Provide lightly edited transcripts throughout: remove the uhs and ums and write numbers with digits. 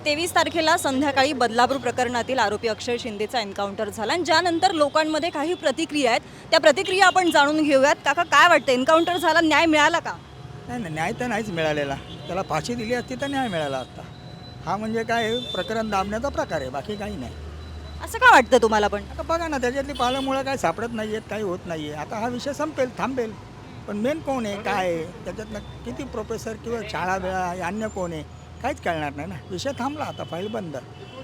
23 तारखेला संध्याकाळी बदलापूर प्रकरणातील आरोपी अक्षय शिंदेचा एन्काउंटर झाला आणि ज्यानंतर लोकांमध्ये काही प्रतिक्रिया आहेत त्या प्रतिक्रिया आपण जाणून घेऊयात. काका, काय वाटतं, एन्काउंटर झाला, न्याय मिळाला का? नाही नाही, न्याय तर नाहीच मिळालेला. त्याला फाशी दिली असती तर न्याय मिळाला असता. हा म्हणजे काय प्रकरण दाबण्याचा प्रकार आहे, बाकी काही नाही. असं का वाटतं तुम्हाला? पण आता बघा ना, त्याच्यातली पालमुळं काय सापडत नाही आहेत, काही होत नाही आहे. आता हा विषय संपेल, थांबेल. पण मेन कोण आहे, काय आहे, त्याच्यातनं किती प्रोफेसर किंवा शाळा वेळा अन्य कोण आहे, काहीच कळणार नाही ना. विषय थांबला, आता फाईल बंद.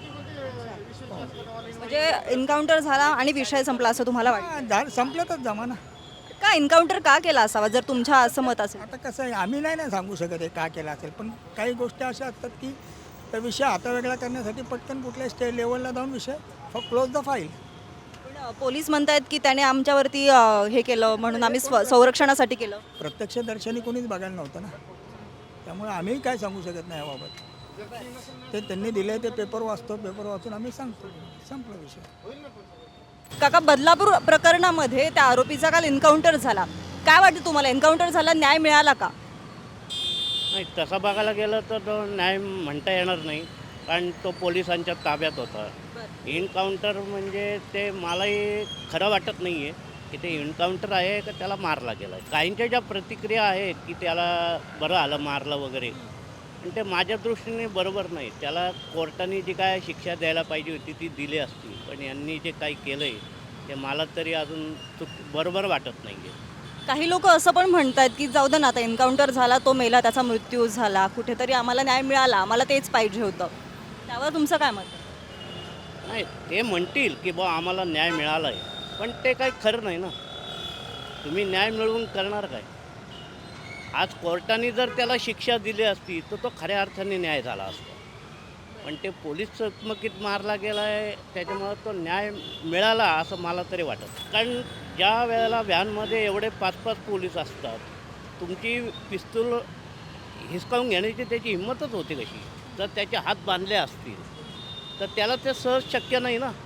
म्हणजे एन्काउंटर झाला आणि विषय संपला असं तुम्हाला वाटतं? संपल्यातच जमाना. का एन्काउंटर का केला असावा जर तुमच्या असं मत असेल? आता कसं आहे, आम्ही नाही ना सांगू शकत आहे का केलं असेल, पण काही गोष्टी अशा असतात की त्या विषय हातावेगळा करण्यासाठी पटकन कुठल्या स्टेट लेवलला जाऊन विषय क्लोज द फाईल. पण पोलीस म्हणतायत की त्याने आमच्यावरती हे केलं म्हणून आम्ही संरक्षणासाठी केलं. प्रत्यक्षदर्शनी कोणीच बघायला नव्हतं ना, त्यामुळे आम्ही काय सांगू शकत नाही याबाबत. ते त्यांनी दिले ते पेपर वाचतो, पेपर वाचून आम्ही सांगतो, संपला विषय. काका, बदलापूर प्रकरणामध्ये त्या आरोपीचा काल एन्काउंटर झाला, काय वाटतं तुम्हाला, एन्काउंटर झाला, न्याय मिळाला का? नाही, तसं बघायला गेलं तर तो न्याय म्हणता येणार नाही, कारण तो पोलिसांच्या ताब्यात होता. एन्काउंटर म्हणजे ते मलाही खरं वाटत नाही आहे की ते एन्काउंटर आहे का त्याला मारला गेला आहे. काहींच्या ज्या प्रतिक्रिया आहेत की त्याला बरं आलं मारलं वगैरे, पण ते माझ्या दृष्टीने बरोबर नाही. त्याला कोर्टाने जी काय शिक्षा द्यायला पाहिजे होती ती दिली असती, पण यांनी जे काही केलं आहे ते मला तरी अजून बरोबर वाटत नाही आहे. काही लोक असं पण म्हणतात की जाऊ दे ना, आता एन्काउंटर झाला, तो मेला, त्याचा मृत्यू झाला, कुठेतरी आम्हाला न्याय मिळाला, आम्हाला तेच पाहिजे होतं. त्यावर तुमचं काय मत आहे? नाही, ते म्हणतील की बा आम्हाला न्याय मिळाला आहे, पण ते काही खरं नाही ना. तुम्ही न्याय मिळवून करणार काय? आज कोर्टाने जर त्याला शिक्षा दिली असती तर तो खऱ्या अर्थाने न्याय झाला असता, पण ते पोलीस चकमकीत मारला गेला आहे, त्याच्यामुळं तो न्याय मिळाला असं मला तरी वाटत. कारण ज्या वेळेला व्हॅनमध्ये एवढे 5-5 पोलीस असतात, तुमची पिस्तूल हिसकावून घेण्याची त्याची हिंमतच होती कशी? जर त्याचे हात बांधले असतील तर त्याला ते सहज शक्य नाही ना.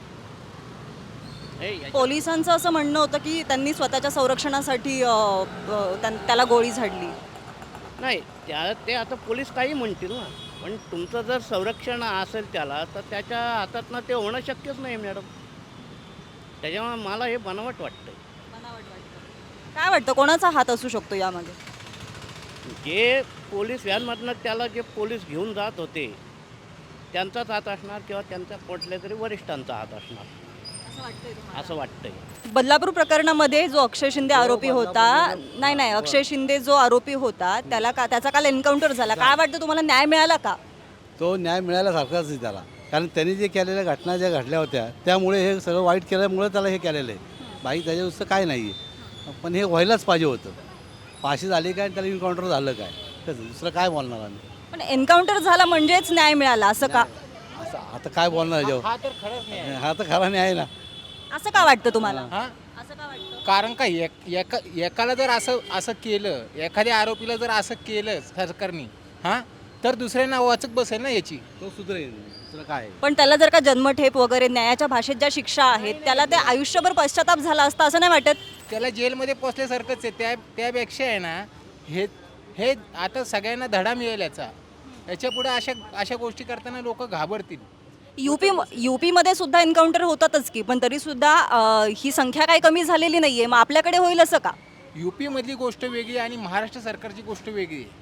पोलिसांचं असं म्हणणं होतं की त्यांनी स्वतःच्या संरक्षणासाठी त्याला गोळी झाडली. नाही, ते आता पोलीस काही म्हणतील ना, पण तुमचं जर संरक्षण असेल त्याला तर त्याच्या हातातनं ते होणं शक्यच नाही मॅडम. त्याच्यामुळे मला हे बनावट वाटतं. काय वाटतं, कोणाचा हात असू शकतो यामध्ये? जे पोलीस व्हॅनमधनं त्याला जे पोलीस घेऊन जात होते त्यांचाच हात असणार किंवा त्यांच्या कुठल्या तरी वरिष्ठांचा हात असणार असं वाटतंय. बदलापूर प्रकरणामध्ये जो अक्षय शिंदे आरोपी होता, नाही, अक्षय शिंदे जो आरोपी होता त्याचा काल एन्काउंटर झाला, काय वाटतं तुम्हाला, न्याय मिळाला का? तो न्याय मिळाल्यासारखाच आहे त्याला, कारण त्यांनी जे केलेल्या घटना ज्या घडल्या होत्या त्यामुळे हे सगळं वाईट केल्यामुळे त्याला हे केलेलं आहे. बाकी त्याच्या नुसतं काय नाही आहे, पण हे व्हायलाच पाहिजे होतं. फाशी झाली काय, त्याला एन्काउंटर झालं काय, त्याचं दुसरं काय बोलणार आम्ही? पण एन्काउंटर झाला म्हणजेच न्याय मिळाला असं का? असं आता काय बोलणार याच्यावर? हा तर खरा न्याय आहे ना. असं का वाटतं तुम्हाला? असं का वाटतं? कारण का एकाला जर असं केलं, एखाद्या आरोपीला जर असं केलं सरकारने, तर दुसऱ्यांना वाचक बसेल ना याची. तो सुधरेल, दुसरं काय? पण त्याला जर का जन्मठेप वगैरे न्यायाच्या भाषेत ज्या शिक्षा आहेत त्याला ते आयुष्यभर पश्चाताप झाला असता असं नाही वाटत? त्याला जेलमध्ये पोचल्यासारखंच आहे. त्यापेक्षा आहे ना, हे आता सगळ्यांना धडा मिळेल याच्या पुढे अशा गोष्टी करताना लोक घाबरतील. युपी मध्ये सुद्धा एन्काउंटर होतातच की, पण तरी सुद्धा ही संख्या काही कमी झालेली नाहीये. मग आपल्याकडे होईल असं का? युपी मधली गोष्ट वेगळी आणि महाराष्ट्र सरकारची गोष्ट वेगळी आहे.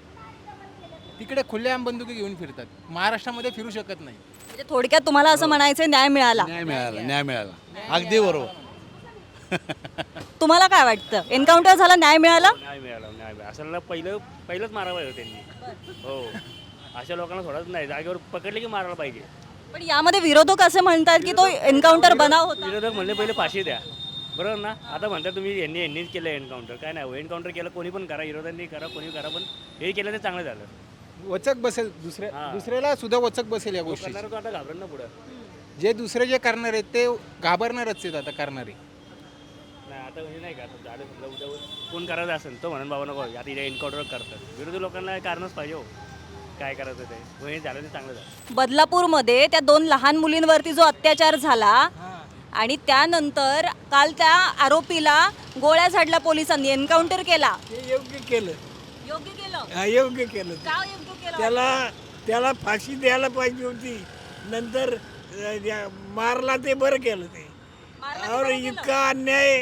तिकडे खुल्लेआम बंदुकी घेऊन फिरतात, महाराष्ट्रामध्ये फिरू शकत नाही. म्हणजे थोडक्यात तुम्हाला असं म्हणायचं, न्याय मिळाला? न्याय मिळाला, अगदी बरोबर. तुम्हाला काय वाटतं, एन्काउंटर झाला, न्याय मिळाला? न्याय मिळाला. असं पहिलंच मारायला पाहिजे त्यांनी. हो, अशा लोकांना सोडत नाही, जागेवर पकडले की मारायला पाहिजे. पण यामध्ये विरोधक असे म्हणतात की तो एन्काउंटर बनाव होता. विरोधक म्हणले पहिले फाशी द्या, बरोबर ना? आता म्हणतात तुम्ही यांनीच केलं एन्काउंटर. काय नाही, एन्काउंटर केलं कोणी पण करा, विरोधांनी करा, कोणी करा, पण हे केलं ते चांगलं झालं. वचक बसेल, दुसऱ्याला सुद्धा वचक बसेल या गोष्टी. करणार तो आता घाबरण ना पुढं. जे दुसरे जे करणार आहेत ते घाबरणारच आहेत आता करणारे. नाही, आता म्हणजे नाही का, झालं समजा उद्या कोण करायचं असेल तो म्हणून बाबा नको आता इथे एन्काउंटर करतात. विरोधी लोकांना कारणच पाहिजे हो, काय करायचं ते. हे झालं ते चांगलं झालं. बदलापूरमध्ये त्या 2 लहान मुलींवरती जो अत्याचार झाला आणि त्यानंतर काल त्या आरोपीला गोळ्या झाडल्या पोलिसांनी, एन्काउंटर केला. हे योग्य केलं, योग्य केलं? योग्य केलं. का योग्य केलं? त्याला त्याला फाशी द्यायला पाहिजे होती. नंतर मारला ते बरं केलं ते. और इतका अन्याय,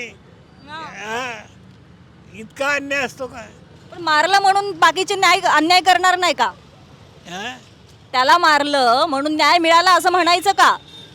इतका अन्याय असतो का? पण मारलं म्हणून बाकीचे अन्याय करणार नाही का? हा? त्याला मारलं म्हणून न्याय मिळाला असं म्हणायचं का?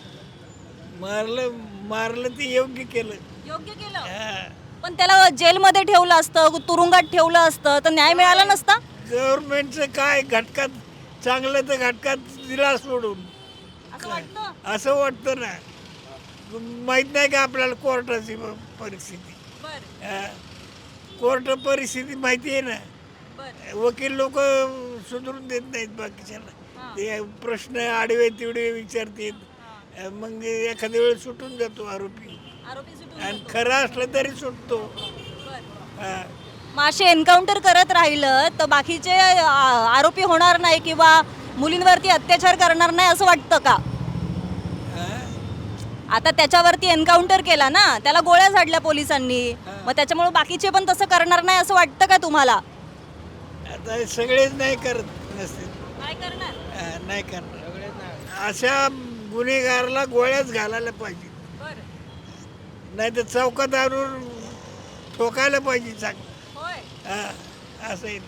मारलं ते योग्य केलं. योग्य केलं. हा. पण त्याला जेलमध्ये ठेवलं असतं, तुरुंगात ठेवलं असतं तर न्याय मिळाला नसता. गव्हर्नमेंटचं काय घटकात चांगलं तर घटकात दिला सोडून असं वाटतं. असं वाटतं ना. माहीत नाही का आपल्याला कोर्टाची परिस्थिती? बरं, कोर्ट परिस्थिती माहिती आहे ना. बरं. वकील लोक सुधरून देत नाहीत बाकीच्याला. ते प्रश्न आडवे तिडवे विचारतात. मग एखाद्या वेळेस सुटून जातो आरोपी. आरोपी सुटून आणि जातो. खरं असलं तरी सुटतो. बरं. हा. मग असे एन्काउंटर करत राहिलं तर बाकीचे आरोपी होणार नाही किंवा मुलींवरती अत्याचार करणार नाही असं वाटतं का? आता त्याच्यावरती एन्काउंटर केला ना, त्याला गोळ्या झाडल्या पोलिसांनी, मग त्याच्यामुळे बाकीचे पण तसं करणार नाही असं वाटतं का तुम्हाला? आता हे सगळेच नाही करत नसतील. काय करणार? नाही करणार. अशा गुन्हेगाराला गोळ्याच घालायला पाहिजे. नाही तर चौकात आणून ठोकायला पाहिजे चांगलं. होय. असं आहे.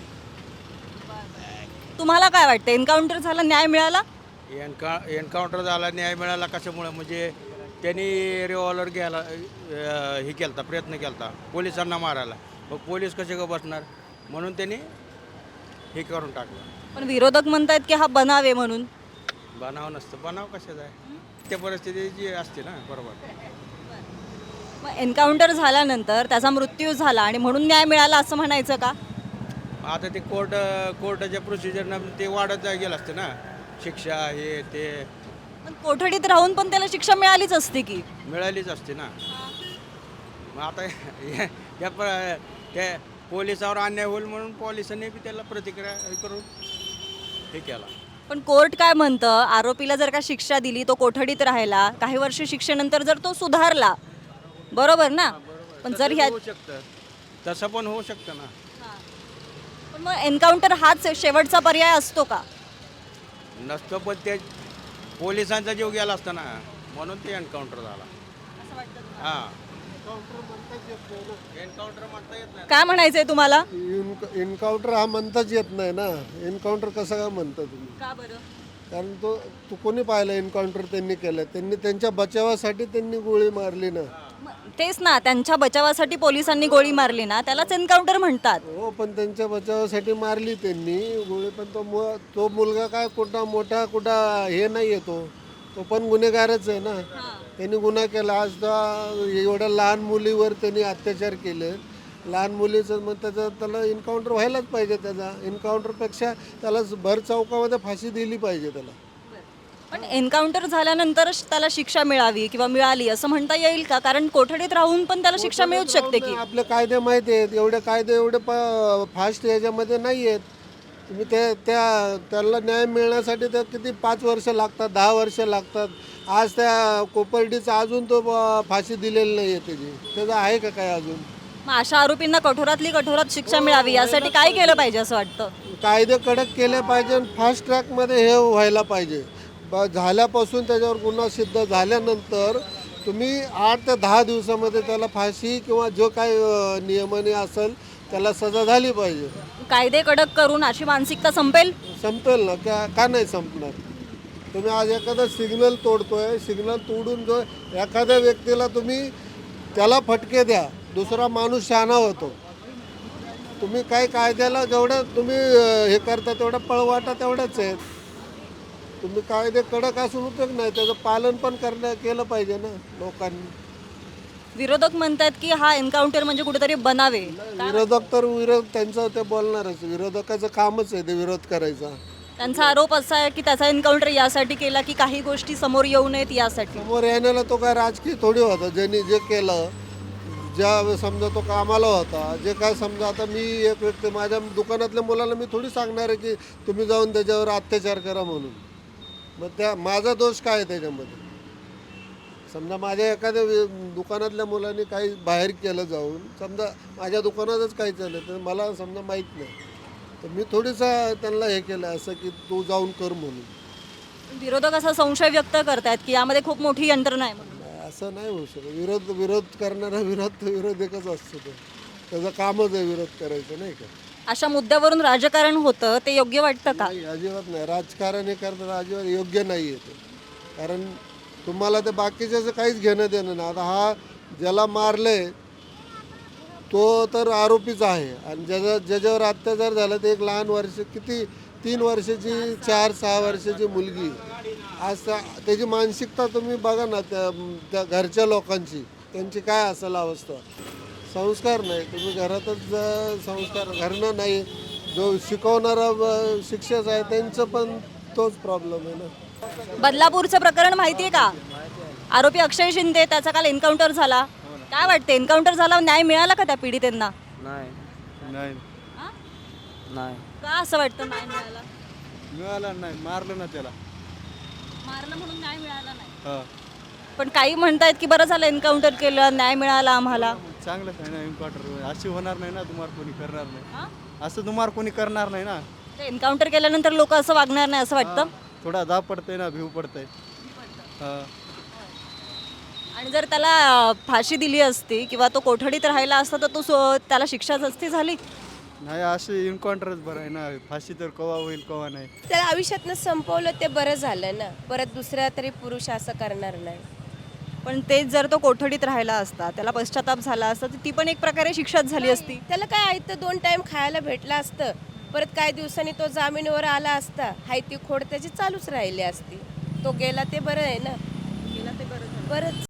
तुम्हाला काय वाटतं, एन्काउंटर झाला, न्याय मिळाला? एन्काउंटर झाला, न्याय मिळाला कशामुळे? म्हणजे त्यांनी रिव्हॉल्वर घ्यायला हे केलता, प्रयत्न केलता पोलिसांना मारायला. मग पोलीस कसे का बसणार? म्हणून त्यांनी हे करून टाकलं. पण विरोधक म्हणतात की हा बनाव आहे म्हणून. बनाव नसतं. बनाव कशाचा आहे? त्या परिस्थिती जी असते ना. बरोबर. मग एन्काउंटर झाल्यानंतर त्याचा मृत्यू झाला आणि म्हणून न्याय मिळाला असं म्हणायचं का? आता ते कोर्टाच्या प्रोसिजरनं ते वाढत गेलं असतं ना, शिक्षा हे ते पण कोठडीत राहून पण त्याला शिक्षा मिळालीच असते की. मिळालीच असते ना. मग आता त्या पोलिसावर अन्याय होईल म्हणून पोलिसांनी बी त्याला प्रतिक्रिया हे करून हे केला. पण कोर्ट काय म्हणतं, आरोपीला जर का शिक्षा दिली, तो कोठडीत राहिला, काही वर्ष शिक्षेनंतर जर तो सुधारला, बरोबर ना? पण जर ह्या होऊ शकतं, तसं पण होऊ शकतं ना. पण मग एन्काउंटर हाच शेवटचा पर्याय असतो का? नसतं, पण ते पोलिसांचा जीव गेला असता ना, म्हणून ते एन्काउंटर झाला. हां, एन्काउंटर म्हणता येत नाही. काय म्हणायचंय तुम्हाला? एन्काउंटर हा म्हणताच येत नाही ना. एन्काउंटर कसं काय म्हणता तुम्ही? का बरं? कारण तो कोणी पाहिलं एन्काउंटर त्यांनी केलं? त्यांनी त्यांच्या बचावासाठी त्यांनी गोळी मारली ना. तेच ना, त्यांच्या बचावासाठी पोलिसांनी गोळी मारली ना, त्यालाच एन्काउंटर म्हणतात. हो, पण त्यांच्या बचावासाठी मारली त्यांनी गोळी. पण तो मुलगा काय कुठं हे नाही आहे. तो पण गुन्हेगारच आहे ना. त्यांनी गुन्हा केला. आज एवढ्या लहान मुलीवर त्यांनी अत्याचार केले. लहान मुलीचं मग त्याला एन्काउंटर व्हायलाच पाहिजे. त्याचा एन्काउंटरपेक्षा त्याला भर चौकामध्ये फाशी दिली पाहिजे त्याला. पण एन्काउंटर झाल्यानंतरच त्याला शिक्षा मिळावी किंवा मिळाली असं म्हणता येईल का? कारण कोठडीत राहून पण त्याला शिक्षा मिळूच शकते की. आपले कायदे माहिती आहेत. एवढे कायदे एवढे फास्ट याच्यामध्ये नाही आहेत. तुम्ही त्याला न्याय मिळण्यासाठी तर किती 5 वर्ष लागतात, 10 वर्ष लागतात. आज त्या कोपर्डीचा अजून तो फाशी दिलेली नाही आहे त्याचं आहे का काय अजून? मग अशा आरोपींना कठोरातली कठोरात शिक्षा मिळावी यासाठी काय केलं पाहिजे असं वाटतं? कायदे कडक केले पाहिजे. फास्ट ट्रॅकमध्ये हे व्हायला पाहिजे. झाल्यापासून त्याच्यावर गुन्हा सिद्ध झाल्यानंतर तुम्ही 8 ते 10 दिवसामध्ये त्याला फाशी किंवा जो काही नियमाने असेल त्याला सजा झाली पाहिजे. कायदे कडक करून अशी मानसिकता संपेल ना. का नाही संपणार? तुम्ही आज एखादा सिग्नल तोडतोय, सिग्नल तोडून जो एखाद्या व्यक्तीला तुम्ही त्याला फटके द्या, दुसरा माणूस शहाणा होतो. तुम्ही काय कायद्याला जेवढं तुम्ही हे करता तेवढा पळवाटा तेवढाच आहे. तुम्ही कायदे कडक असून उपयोग नाही, त्याचं पालन पण केलं पाहिजे ना लोकांनी. विरोधक म्हणतात की हा एन्काउंटर म्हणजे कुठेतरी बनावे. विरोध त्यांचं ते बोलणारच. विरोधकाचं कामच आहे ते विरोध करायचा. त्यांचा आरोप असा आहे की त्याचा एन्काउंटर यासाठी केला की काही गोष्टी समोर येऊ नयेत यासाठी. समोर येण्याला तो काय राजकीय थोडी होता. ज्यांनी जे केलं, ज्या समजा तो कामाला होता, जे काय समजा आता मी एक व्यक्ती माझ्या दुकानातल्या मुलाला मी थोडी सांगणार आहे की तुम्ही जाऊन त्याच्यावर अत्याचार करा म्हणून. मग माझा दोष काय आहे त्याच्यामध्ये? समजा माझ्या एखाद्या दुकानातल्या मुलांनी काही बाहेर केलं जाऊन, समजा माझ्या दुकानातच काही चाललं तर मला समजा माहीत नाही, तर मी थोडीसा त्यांना हे केलं असं की तू जाऊन कर म्हणून. विरोधक असा संशय व्यक्त करतायत की यामध्ये खूप मोठी यंत्रणा आहे म्हणून. नाही, असं नाही होऊ शकत. विरोध करणारा विरोधकच असतो तो. त्याचं कामच आहे विरोध करायचं, नाही का? अशा मुद्द्यावरून राजकारण होतं ते योग्य वाटतं का? नाही, अजिबात नाही. राजकारण हे करताना अजिबात योग्य नाही आहे ते. कारण तुम्हाला ते बाकीच्याचं काहीच घेणं देणं नाही. आता हा ज्याला मारले तो तर आरोपीच आहे आणि ज्याच्यावर अत्याचार झाला ते एक लहान वर्ष, किती 3 वर्षाची 4-6 वर्षाची मुलगी. आज त्याची मानसिकता तुम्ही बघा ना, त्या घरच्या लोकांची त्यांची काय असेल अवस्था. संस्कार नाही, तुम्ही घरातच संस्कार घरनं नाही. जो शिकवणारा शिक्षक आहे त्यांचं पण तोच प्रॉब्लेम आहे ना. बदलापूरचं प्रकरण माहिती आहे का? आरोपी अक्षय शिंदे, त्याचा काल एन्काउंटर झाला. काय वाटतं, एन्काउंटर झाला, न्याय मिळाला का त्या पीडितांना? नाही हा? नाही का असं वाटतं नाही मिळाला? मिळाला नाही, मारलं ना त्याला. मारलं म्हणून न्याय मिळाला नाही. हां पण काही म्हणतायत की बरं झालं एन्काउंटर केलं, न्याय मिळाला आम्हाला. चांगलंच आहे ना एन्काउंटर. अशी होणार नाही ना, तुम्हाला कोणी करणार नाही. हा? असं तुम्हाला कोणी करणार नाही ना. एन्काउंटर केल्यानंतर लोक असं वागणार नाही असं वाटतं. थोडा दाब पडतंय ना, भिव पडतंय. हां आणि जर त्याला फाशी दिली असती किंवा तो कोठडीत राहिला असता तर त्याला शिक्षाच असती झाली. नाही, असे एन्काउंटरच बरं आहे ना. फाशी तर कवा होईल कवा नाही. त्याला आयुष्यातनं संपवलं ते बरं झालं ना. परत दुसरा तरी पुरुष असं करणार नाही. पण तेच जर तो कोठडीत राहिला असता, त्याला पश्चाताप झाला असता, तर ती पण एक प्रकारे शिक्षाच झाली असती. त्याला काय आहे तर 2 टाइम खायला भेटलं असतं. परत काही दिवसांनी तो जामीनवर आला असता. हाय ती खोड त्याची चालूच राहिली असती. तो गेला ते बरं आहे ना. गेला ते बरं झालं. बरंच